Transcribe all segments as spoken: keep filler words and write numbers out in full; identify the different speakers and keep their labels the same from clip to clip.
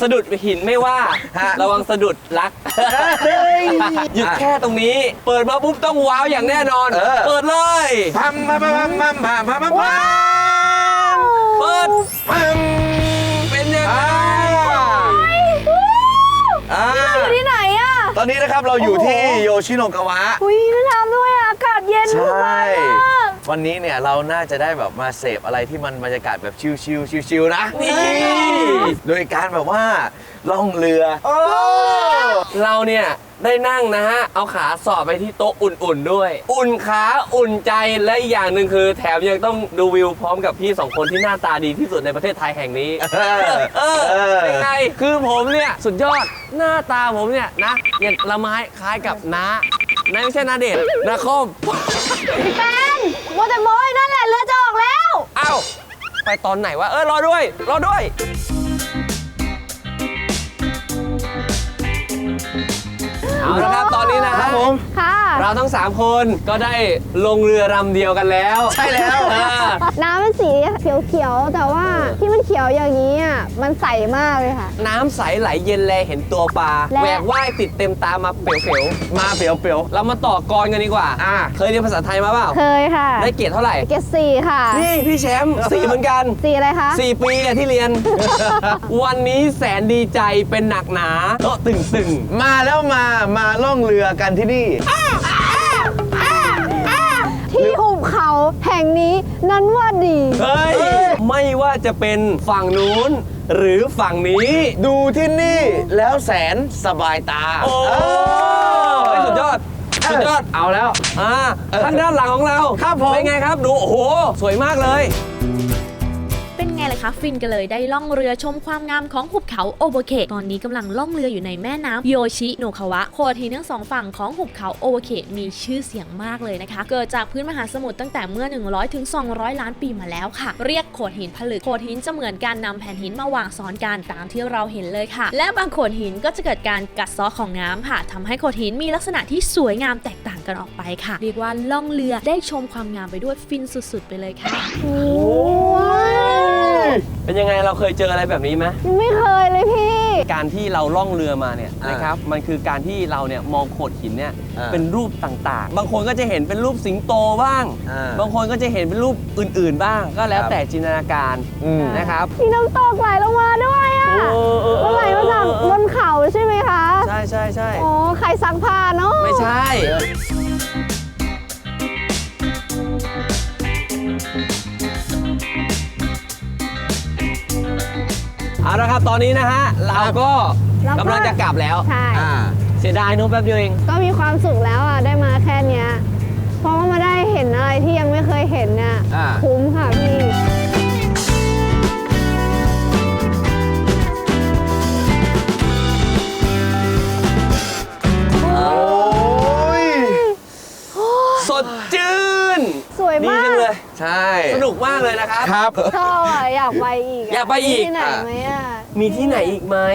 Speaker 1: ะดุดหินไม่ว่าระวังสะดุดรักหยุดแค่ตรงนี้เปิดมาปุ๊บต้องว้าวอย่างแน่นอนเปิดเลย
Speaker 2: พัมพัมพัมพัมพัมพัมพัมพัม
Speaker 1: เปิด
Speaker 2: พัม
Speaker 1: เป็นยังไง
Speaker 3: อยู่ที่ไหนอะ
Speaker 2: ตอนนี้นะครับเราอยู่ที่โยชิโนกาวะ
Speaker 3: อุ้ยน่าทำด้วยอากาศเย็นมาก
Speaker 2: วันนี้เนี่ยเราน่าจะได้แบบมาเสพอะไรที่มันบรรยากาศแบบชิลๆชิลๆนะ
Speaker 1: นี่
Speaker 2: โดยการแบบว่าล่องเรือ
Speaker 1: เราเนี่ยได้นั่งนะฮะเอาขาสอดไปที่โต๊ะอุ่นๆด้วยอุ่นขาอุ่นใจและอีกอย่างหนึ่งคือแถมยังต้องดูวิวพร้อมกับพี่สองคนที่หน้าตาดีที่สุดในประเทศไทยแห่งนี้เออเป็นไงคือผมเนี่ยสุดยอดหน้าตาผมเนี่ยนะอย่างละไม้คล้ายกับน้าน้าไม่ใช่นาเดชนาคอม
Speaker 3: พี่แฟนโมเตโมยนั่นแหละเรือจะออกแล้ว
Speaker 1: เอ้าไปตอนไหนวะเออรอด้วยรอด้วยเอาละครับตอนนี้นะครับผมเราทั้งสามคนก็ได้ลงเรือลำเดียวกันแล้ว
Speaker 2: ใช่แล้ว
Speaker 3: น้ำเป็นสีเขียวๆแต่ว่าที่มันเขียวอย่างนี้อ่ะมันใสมากเลยค่ะ
Speaker 1: น้ำใสไหลเย็นแลเห็นตัวปลาแหวกว่ายติดเต็มตามาเปลวๆ
Speaker 2: มาเปลว
Speaker 1: ๆเรามาต่อกรกันดีกว่าอ่าเคยเรียนภาษาไทยมาเปล่า
Speaker 3: เคยค่ะ
Speaker 1: ได้เกรดเท่าไหร่
Speaker 3: เกรดสี่ค่ะ
Speaker 1: นี่พี่แชมป์สี่เหมือนกัน
Speaker 3: สี่อะไรคะ
Speaker 1: สี่ปีที่เรียนวันนี้แสนดีใจเป็นหนักหนาโต๊ะตึง
Speaker 2: ๆมาแล้วมามาล่องเรือกันที่นี่
Speaker 3: ที่หุบเขาแห่งนี้นั้นว่าดี
Speaker 1: เฮ้ยไม่ว่าจะเป็นฝั่งนู้นหรือฝั่งนี้
Speaker 2: ดูที่นี่แล้วแสนสบายตา
Speaker 1: โอ้สุดยอดสุดยอดเอาแล้วอ่าทางด้านหลังของเรา
Speaker 2: ครับผม
Speaker 1: เป็นไงครับดูโอ้โหสวยมากเลย
Speaker 4: เป็นไงล่ะคะฟินกันเลยได้ล่องเรือชมความงามของหุบเขาโอโบเคะตอนนี้กำลังล่องเรืออยู่ในแม่น้ำโยชิโนคาวะโขดหินทั้งสองฝั่งของหุบเขาโอโบเคะมีชื่อเสียงมากเลยนะคะเกิดจากพื้นมหาสมุทรตั้งแต่เมื่อหนึ่งร้อยถึงสองร้อยล้านปีมาแล้วค่ะเรียกโขดหินผลึกโขดหินจะเหมือนการนำแผ่นหินมาวางซ้อนกันตามที่เราเห็นเลยค่ะและบางโขดหินก็จะเกิดการกัดเซาะของน้ำค่ะทำให้โขดหินมีลักษณะที่สวยงามแตกต่างกันออกไปค่ะเรียกว่าล่องเรือได้ชมความงามไปด้วยฟินสุดๆไปเลยค่ะ
Speaker 1: เป็นยังไงเราเคยเจออะไรแบบนี้ไหม
Speaker 3: ไม่เคยเลยพี่
Speaker 1: การที่เราล่องเรือมาเนี่ยนะครับมันคือการที่เราเนี่ยมองโขดหินเนี่ยเป็นรูปต่างๆบางคนก็จะเห็นเป็นรูปสิงโตบ้างบางคนก็จะเห็นเป็นรูปอื่นๆบ้างก็แล้วแต่จินตนาการนะครับ
Speaker 3: มีน้ำตกไหลลงมาด้วยอ่ะมันไหลมาจากบนเขาใช่ไหมคะ
Speaker 1: ใช่ใช่ใช่
Speaker 3: อ๋อใครซักผ้าเนาะ
Speaker 1: ไม่ใช่เอาละครับตอนนี้นะฮะเราก็กำลังจะกลับแล้ว
Speaker 3: ใช่
Speaker 1: เสียดายนู้นแป๊บเดียวเอง
Speaker 3: ก็มีความสุขแล้วอ่ะได้มาแค่เนี้ยเพราะว่ามาได้เห็นอะไรที่ยังไม่เคยเห็นเนี่ยคุ้มค่ะพี่
Speaker 1: สดชื่น
Speaker 3: สวยมาก
Speaker 1: เลย
Speaker 2: ใช่
Speaker 1: สนุกมากเลยนะครับ
Speaker 2: ครับ
Speaker 3: ชอบอยากไปอีก
Speaker 1: อยากไปอีก
Speaker 3: ที่ไหนไหมอ่ะ
Speaker 1: มีที่ไหนอีกไหม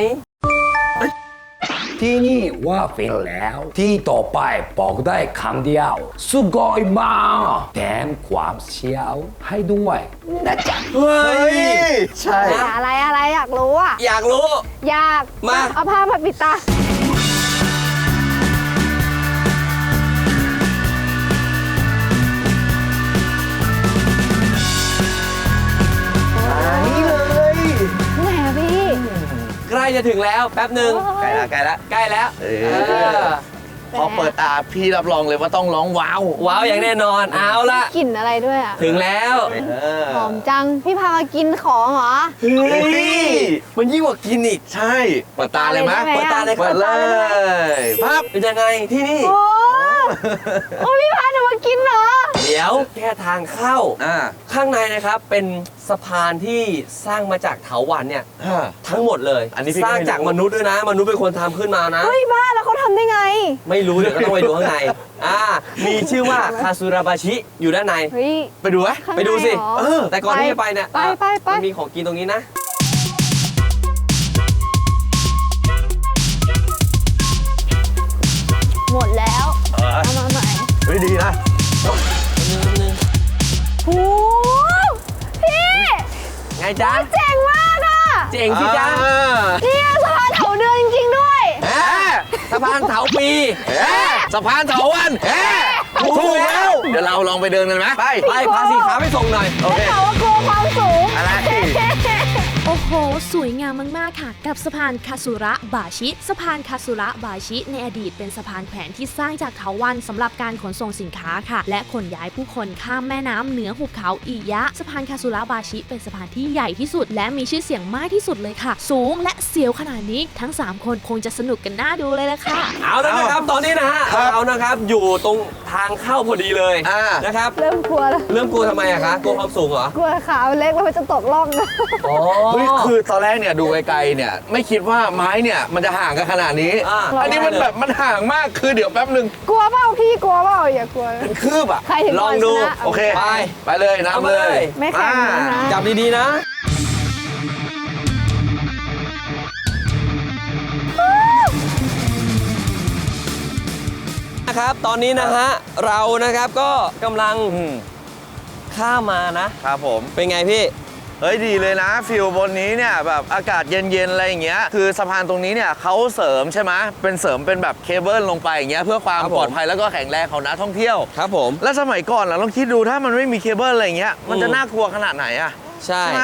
Speaker 5: ที่นี่ว่าฟินแล้วที่ต่อไปบอกได้คำเดียวสุดยอดมากแถมความเชี่ยวให้ด้วยนะจ๊ะ
Speaker 1: เฮ้ย
Speaker 2: ใช่
Speaker 3: อะไรอะไรอยากรู้อ่ะ
Speaker 1: อยากรู้
Speaker 3: อยาก
Speaker 1: มา
Speaker 3: เอาผ้ามาปิดตา
Speaker 1: ใกล้จะถึงแล้วแป๊บหนึ่ง
Speaker 2: ใกล้แล้วใกล้แล้ว
Speaker 1: ใกล้แล้ว
Speaker 2: พอเปิดตาพี่รับรองเลยว่าต้องร้องว้าว
Speaker 1: ว้าวอย่างแน่นอนเอาละ
Speaker 3: กลิ่นอะไรด้วยอ่ะ
Speaker 1: ถึงแล้ว
Speaker 3: หอมจังพี่พามากินของเหรอ
Speaker 1: เฮ้ยมันยิ่งกว่ากินอีก
Speaker 2: ใช่เปิดตาเลยมั้ย
Speaker 1: เปิดตาเลย
Speaker 2: เปิดเลย
Speaker 1: ปั๊บเป็นยังไงที่นี่
Speaker 3: โอ้โอ้พี่พาหนูมากินเหรอ
Speaker 1: เดี๋ยวแค่ทางเข้าข้างในนะครับเป็นสะพานที่สร้างมาจากเถาวัลย์เนี่ยทั้งหมดเลยอันนี้สร้างจากมนุษย์ด้วยนะมนุษย์เป็นคนทำขึ้นมานะ
Speaker 3: เฮ้ยบ้าแล้วเขาทำได้ไง
Speaker 1: ไม่รู้เดี๋ยวก็ต้องไปดูข้างในอ่ามีชื่อว่าคาซูราบาชิอยู่ด้านใน
Speaker 2: ไปดูไหม
Speaker 1: ไปดูสิแต่ก่อนที่จะไปเนี่ย
Speaker 3: ไปไปไป
Speaker 1: มันมีของกินตรงนี้นะ
Speaker 3: หมดแล้วเอามาใหม่
Speaker 2: เฮ้ยดีนะ
Speaker 3: โอ้พี่
Speaker 1: ไงจ๊ะ
Speaker 3: เจ๋งมากอ่ะ
Speaker 1: เจ๋งสิจ๊ะ
Speaker 3: เนี่ยส
Speaker 1: พานเถาปี
Speaker 2: เอ๊ะสะพานเถาวันเอ๊ะถูกแล้ว เดี๋ยวเราลองไปเดินกันไหมไป
Speaker 1: ไปพาสีขาไปส่งหน่อย
Speaker 2: โอเค
Speaker 3: แต่ว่ากลัวความสูง
Speaker 2: อะไร
Speaker 4: โอ้โห สวยงามมาก ๆ ค่ะ กับสะพานคาสุระบาชิ สะพานคาสุระบาชิ ในอดีตเป็นสะพานแขวนที่สร้างจากเถาวัลย์สำหรับการขนส่งสินค้าค่ะ และขนย้ายผู้คนข้ามแม่น้ำเหนือหุบเขาอิยะ สะพานคาสุระบาชิเป็นสะพานที่ใหญ่ที่สุด และมีชื่อเสียงมากที่สุดเลยค่ะ สูงและเสียวขนาดนี้ทั้งสามคนคงจะสนุกกันน่าดูเลยละค่ะ
Speaker 1: เอาแล้วนะครับตอนนี้นะฮะ
Speaker 2: ครับ
Speaker 1: เรานะครับอยู่ตรงทางเข้าพอดีเลย
Speaker 2: อ่า
Speaker 1: นะครับ
Speaker 3: เริ่มกลัวแล้ว
Speaker 1: เริ่มกลัวทำไมอะคะกลัวความสูงเหรอ
Speaker 3: กลัวขาเล็กแล้วมันจะตกล่องนะ
Speaker 1: อ๋อ
Speaker 2: เฮ้ยคือตอนแรกเนี่ยดูไกลๆเนี่ยไม่คิดว่าไม้เนี่ยมันจะห่างกันขนาดนี้
Speaker 1: อ่า
Speaker 2: อันนี้มันแบบมันห่างมากคือเดี๋ยวแป๊บหนึ่ง
Speaker 3: กลัวเปล่าพี่กลัวเปล่าอย่ากลัว
Speaker 2: เป็นคืบอ่ะ
Speaker 3: ใครถึง
Speaker 1: ลองดู
Speaker 3: ก่นชนะ
Speaker 2: โอเค
Speaker 1: ไป
Speaker 2: ไปเลย
Speaker 1: เอา
Speaker 2: นำ
Speaker 1: มา
Speaker 2: เล
Speaker 1: เลย ย
Speaker 3: ไม่แข็งนะนะ
Speaker 1: จับดีๆนะ นะครับตอนนี้นะฮะเรานะครับก็กำลัง
Speaker 2: อืม
Speaker 1: ข้ามมานะ
Speaker 2: ครับผม
Speaker 1: เป็นไงพี่
Speaker 2: เฮ้ยดีเลยนะฟิลบนนี้เนี่ยแบบอากาศเย็นๆอะไรอย่างเงี้ยคือสะพานตรงนี้เนี่ยเขาเสริมใช่ไหมเป็นเสริมเป็นแบบเคเบิลลงไปอย่างเงี้ยเพื่อความ
Speaker 1: ครับผม
Speaker 2: ปลอดภัยแล้วก็แข็งแรงของนักท่องเที่ยว
Speaker 1: ครับผม
Speaker 2: แล้วสมัยก่อนเราลองคิดดูถ้ามันไม่มีเคเบิลอะไรอย่างเงี้ยมันจะ
Speaker 1: อืม
Speaker 2: น่ากลัวขนาดไหนอะ
Speaker 1: ใช่
Speaker 2: ใช่ไหม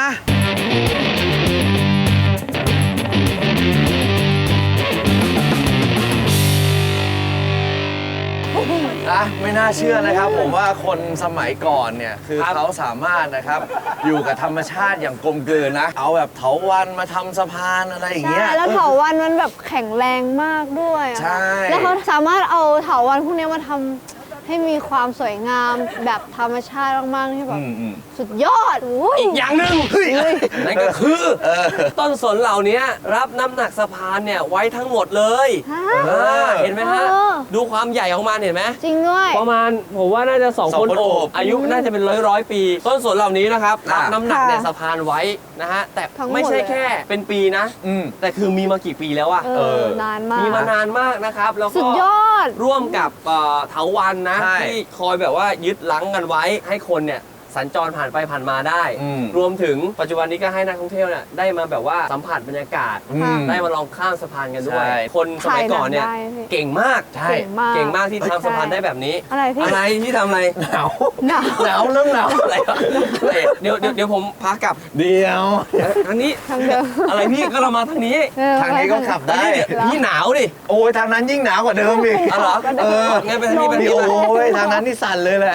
Speaker 2: อ่ะไม่น่าเชื่อนะครับ ผมว่าคนสมัยก่อนเนี่ยคือ
Speaker 1: ครับ
Speaker 2: เขาสามารถนะครับอยู่กับธรรมชาติอย่างกลมกลืนนะ เอาแบบเถาวัลย์มาทำสะพานอะไรอย่าง
Speaker 3: ใช่
Speaker 2: เงี้ย
Speaker 3: แล้วเถาวันมันแบบแข็งแรงมากด้วยอะ
Speaker 2: ใช่
Speaker 3: แล้วเขาสามารถเอาเถาวันพวกนี้มาทำให้มีความสวยงามแบบธรรมชาติมากๆที่แบบ
Speaker 2: อืมอืม
Speaker 3: สุดยอดอุ้ย
Speaker 1: อีกอย่างหนึ่งนั่นก็คือต้นสนเหล่านี้รับน้ำหนักสะพานเนี่ยไว้ทั้งหมดเลย
Speaker 3: ฮะ
Speaker 1: อ่าเห็นไหมฮะ
Speaker 3: เออ
Speaker 1: ดูความใหญ่ของมันเห็นไหม
Speaker 3: จริงด้วย
Speaker 1: ประมาณผมว่าน่าจะสอง
Speaker 2: สอง
Speaker 1: คน
Speaker 2: คน
Speaker 1: โอ
Speaker 2: โอ
Speaker 1: บบ อายุน่าจะเป็นร้อยร้อยปี ต้นสนเหล่านี้นะครับรับ
Speaker 2: อ่า
Speaker 1: น้ำหนักเนี่ย
Speaker 3: ค่ะ
Speaker 1: สะพานไว้นะฮะแต่
Speaker 3: ทั้งหมด
Speaker 1: ไม่ใช่
Speaker 3: เลย
Speaker 1: แค่เป็นปีนะ
Speaker 2: อืม
Speaker 1: แต่คือมีมากี่ปีแล้วอะ
Speaker 3: เอ
Speaker 2: เอ
Speaker 3: อ
Speaker 2: อ
Speaker 3: นานมาก
Speaker 1: มีมานานมากนะครับแล้ว
Speaker 3: สุ
Speaker 1: ก็
Speaker 3: ดยอด
Speaker 1: ร่วมกับเอ่อเถาวัลย์นะ
Speaker 2: ใช่
Speaker 1: ที่คอยแบบว่ายึดลังกันไว้ให้คนเนี่ยสัญจรผ่านไปผ่านมาได้
Speaker 2: อืม
Speaker 1: รวมถึงปัจจุบันนี้ก็ให้นักท่องเที่ยวเนี่ยได้มาแบบว่าสัมผัสบรรยากาศ
Speaker 2: อืม
Speaker 1: ได้มาลองข้ามสะพานกันด้วย
Speaker 2: ใช่
Speaker 1: คนสมัยก่อนเนี่ย
Speaker 3: ถ่ายหนังได้พี่
Speaker 1: เก่งมาก
Speaker 2: ใช่
Speaker 3: เก่งมาก
Speaker 1: เก่งมากที่ทำสะพานได้แบบนี้
Speaker 3: อะไรพี่
Speaker 1: อะไรที่ทำอะไร
Speaker 2: หนาว
Speaker 3: หนาว
Speaker 2: หนาวเริ่มหนาว
Speaker 1: อะไรวะเดี๋ยวเดี๋ยวเดี๋ยวผมพากลับ
Speaker 2: เดียว
Speaker 1: ทางนี้
Speaker 3: ทางเดิม
Speaker 1: อะไรพี่ก็เรามาทางนี้
Speaker 3: เออ
Speaker 2: ทางนี้ก็ขับได้
Speaker 1: เดี๋ยวพี่หนาวดิ
Speaker 2: โอ้ยทางนั้นยิ่งหนาวกว่าเดิมอีก
Speaker 1: อ๋อเหรอ
Speaker 2: เออ
Speaker 1: งั้นไปทางนี้ไปทาง
Speaker 2: นี่
Speaker 1: นี้
Speaker 2: โอ้
Speaker 1: ไป
Speaker 2: ยทางนั้นนี่สั่นเลยแหละ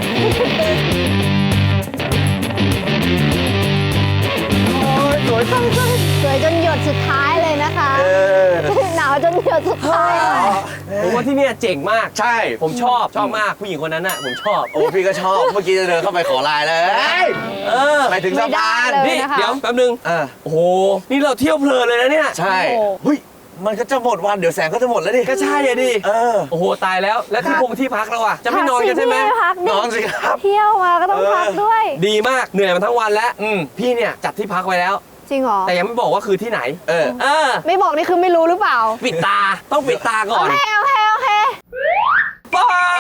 Speaker 2: โอ้ยสวยจัง
Speaker 3: สวยจนหยดสุดท้ายเลยนะคะ
Speaker 2: เออ
Speaker 3: หนาวจนหยดสุดท้ายเลย
Speaker 1: ผมว่าที่เนี่ยเจ๋งมาก
Speaker 2: ใช่
Speaker 1: ผมชอบชอบมากผู้หญิงคนนั้นน่ะผมชอบ
Speaker 2: โอ้พี่ก็ชอบ เมื่อกี้จะเดินเข้าไปขอไลน์เลย
Speaker 1: เออ
Speaker 2: ไปถึงสะพาน
Speaker 3: ไม่ได้เลย
Speaker 1: นี่
Speaker 3: นะคะ
Speaker 1: เดี๋ยวแป๊บนึง
Speaker 2: เออ
Speaker 1: โอ้โหนี่เราเที่ยวเพลินเลยนะเนี่ย
Speaker 2: ใช่
Speaker 3: โอ้โห
Speaker 2: เฮ้ยมันก็จะหมดวันเดี๋ยวแสงก็จะหมดแล้วดิ
Speaker 1: ก็ใช่อะดิ
Speaker 2: เออ
Speaker 1: โอ้โหตายแล้วแล้วที่พงที่พักเราอะจะไม่นอนกันใช่ไหม
Speaker 3: พักสิพี่พัก
Speaker 2: นอนสิครับ
Speaker 3: เที่ยวมาก็ต้อง
Speaker 2: เออ
Speaker 3: พักด้วย
Speaker 1: ดีมากเหนื่อยมาทั้งวันแล้ว
Speaker 2: อืม
Speaker 1: พี่เนี่ยจัดที่พักไว้แล้ว
Speaker 3: จริงเหรอ
Speaker 1: แต่ยังไม่บอกว่าคือที่ไหน
Speaker 2: เออ
Speaker 1: เออ
Speaker 3: ไม่บอกนี่คือไม่รู้หรือเปล่า
Speaker 1: ปิดตาต้องปิดตาก่
Speaker 3: โอ
Speaker 1: อน
Speaker 3: เคโอเคโอเค
Speaker 1: ไป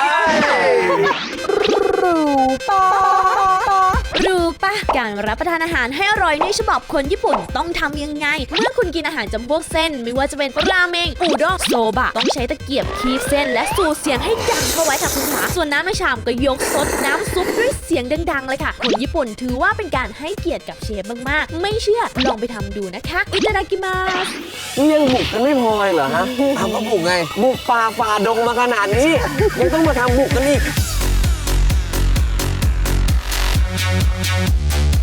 Speaker 4: รู้ปะการรับประทานอาหารให้อร่อยในฉบับคนญี่ปุ่นต้องทำยังไง เมื่อคุณกินอาหารจำพวกเส้น ไม่ว่าจะเป็นราเมงอูด้งโซบะ ต้องใช้ตะเกียบคีบเส้น และสูดเสียงให้ดังเข้าไว้ค่ะคุณขาส่วนน้ำในชามก็ยกซดน้ำซุปด้วยเสียงดังๆเลยค่ะ คนญี่ปุ่นถือว่าเป็นการให้เกียรติกับเชฟมากๆ ไม่เชื่อลองไปทำดูนะคะอิตาดากิมาส
Speaker 1: นี่ยังบุกกันไม่พอเลยเหรอฮะ
Speaker 2: ทำมาบุกไง
Speaker 1: บุกป่าฝ่าดงมาขนาดนี้ ยังต้องมาทำบุกกันอีก